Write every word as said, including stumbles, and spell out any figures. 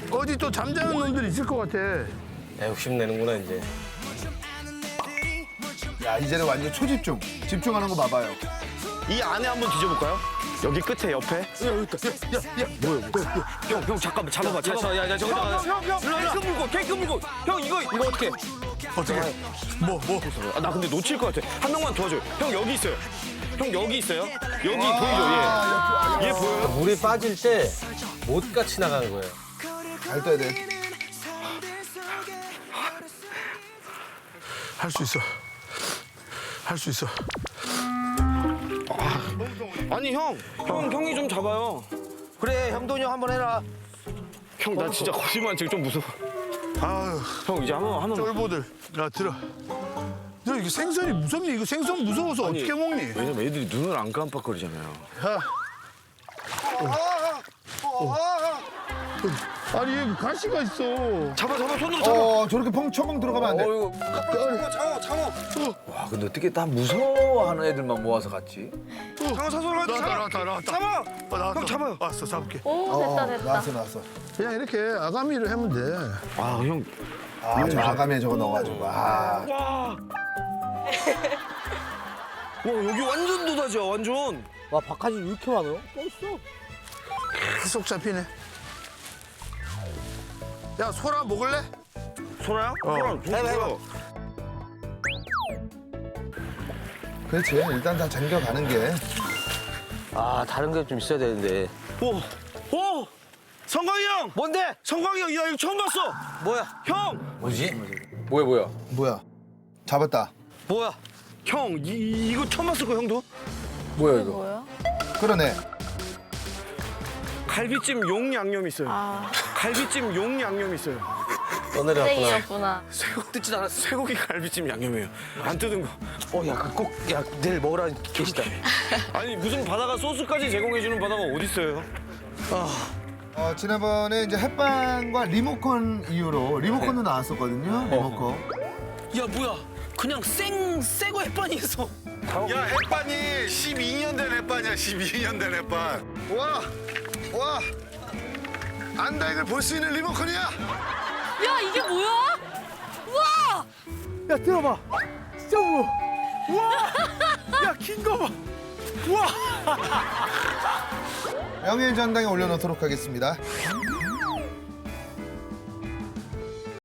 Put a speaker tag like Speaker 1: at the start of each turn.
Speaker 1: 어디 또 잠자는 놈들 있을 것 같아.
Speaker 2: 야, 욕심내는구나 이제.
Speaker 3: 야, 이제는 완전 초집중. 집중하는 거 봐봐요.
Speaker 2: 이 안에 한번 뒤져볼까요? 여기 끝에 옆에?
Speaker 3: 야, 여기 있다. 야, 야, 야. 뭐야, 뭐야.
Speaker 2: 형, 형 잠깐만 잡아봐, 잡아봐. 야, 야, 저거 형, 형, 형, 케이크 물고, 케이크 물고. 형 이거 이거 어떻게?
Speaker 1: 어떻게? 뭐, 뭐.
Speaker 2: 아, 나 근데 놓칠 것 같아. 한 명만 도와줘요. 형 여기 있어요. 형 여기 있어요. 여기 보이죠? 얘. 얘 보여요?
Speaker 4: 물이 빠질 때 못같이 나가는 거예요.
Speaker 3: 잘 떠야 돼.
Speaker 1: 할 수 있어. 할 수 있어.
Speaker 2: 아니 형, 형 형이 좀 잡아요.
Speaker 4: 그래, 형돈이 형 한번 해라.
Speaker 2: 형 나 진짜 거짓말 지금 좀 무서워.
Speaker 1: 아유,
Speaker 2: 형 이제 한번 한번.
Speaker 1: 쫄보들. 야, 들어. 너 이거 생선이 무섭니? 이거 생선 무서워서
Speaker 2: 아니,
Speaker 1: 어떻게 먹니?
Speaker 2: 왜냐면 애들이 눈을 안 깜빡거리잖아요.
Speaker 1: 야. 아니, 얘 가시가 있어.
Speaker 2: 잡아, 잡아, 손으로 잡아.
Speaker 3: 어, 저렇게 펑 처먹 들어가면 안 돼.
Speaker 2: 장어, 장어.
Speaker 5: 와, 근데 어떻게 다 무서워하는 애들만 모아서 갔지?
Speaker 2: 장어 사서
Speaker 1: 나왔다,
Speaker 2: 잡아.
Speaker 1: 나왔다, 나왔다.
Speaker 2: 잡아.
Speaker 1: 어, 나왔다.
Speaker 2: 형 잡아요.
Speaker 1: 왔어, 잡을게.
Speaker 6: 오,
Speaker 3: 어,
Speaker 6: 됐다, 됐다.
Speaker 3: 나왔어, 나왔어.
Speaker 1: 그냥 이렇게 아가미를 하면 돼.
Speaker 2: 아, 형.
Speaker 3: 아, 저 아가미에 저거 넣어가지고. 아.
Speaker 2: 와. 와, 여기 완전 도다지야, 완전.
Speaker 4: 와, 바카지 왜 이렇게 많아요?
Speaker 1: 계속 잡히네. 야, 소라 먹을래?
Speaker 2: 소라야? 소라, 해봐, 해봐.
Speaker 3: 그렇지. 일단 다 잠겨가는 게.
Speaker 4: 아, 다른 게 좀 있어야 되는데.
Speaker 2: 오, 오! 성광이 형!
Speaker 4: 뭔데?
Speaker 2: 성광이 형, 야, 이거 처음 봤어!
Speaker 4: 뭐야?
Speaker 2: 형!
Speaker 5: 뭐지? 뭐야, 뭐야?
Speaker 3: 뭐야? 잡았다.
Speaker 4: 뭐야?
Speaker 2: 형, 이, 이거 처음 봤을 거 형도?
Speaker 5: 뭐야, 이거?
Speaker 6: 뭐야?
Speaker 3: 그러네.
Speaker 2: 갈비찜 용 양념 있어요.
Speaker 6: 아,
Speaker 2: 갈비찜 용 양념 있어요.
Speaker 4: 떠내려왔구나.
Speaker 6: 땡이었구나.
Speaker 2: 쇠고기 뜯지 않았어. 쇠고기 갈비찜 양념이에요. 안 뜯은 거.
Speaker 4: 어, 야, 그 꼭, 야, 내일 먹으라 계시다.
Speaker 2: 아니, 무슨 바다가 소스까지 제공해주는 바다가 어딨어요?
Speaker 3: 어, 지난번에 이제 햇반과 리모컨 이후로 리모컨도 나왔었거든요. 리모컨.
Speaker 2: 야, 뭐야. 그냥 생, 새거 햇반이 있어.
Speaker 1: 야, 햇반이 십이 년 된 햇반이야, 십이 년 된 햇반. 와, 와. 안다, 이걸 볼 수 있는 리모컨이야?
Speaker 6: 야, 이게 뭐야? 우와!
Speaker 4: 야, 들어봐. 진짜 무거워.
Speaker 2: 야, 긴 거 봐. 우와.
Speaker 3: 명예전당에 올려놓도록 하겠습니다.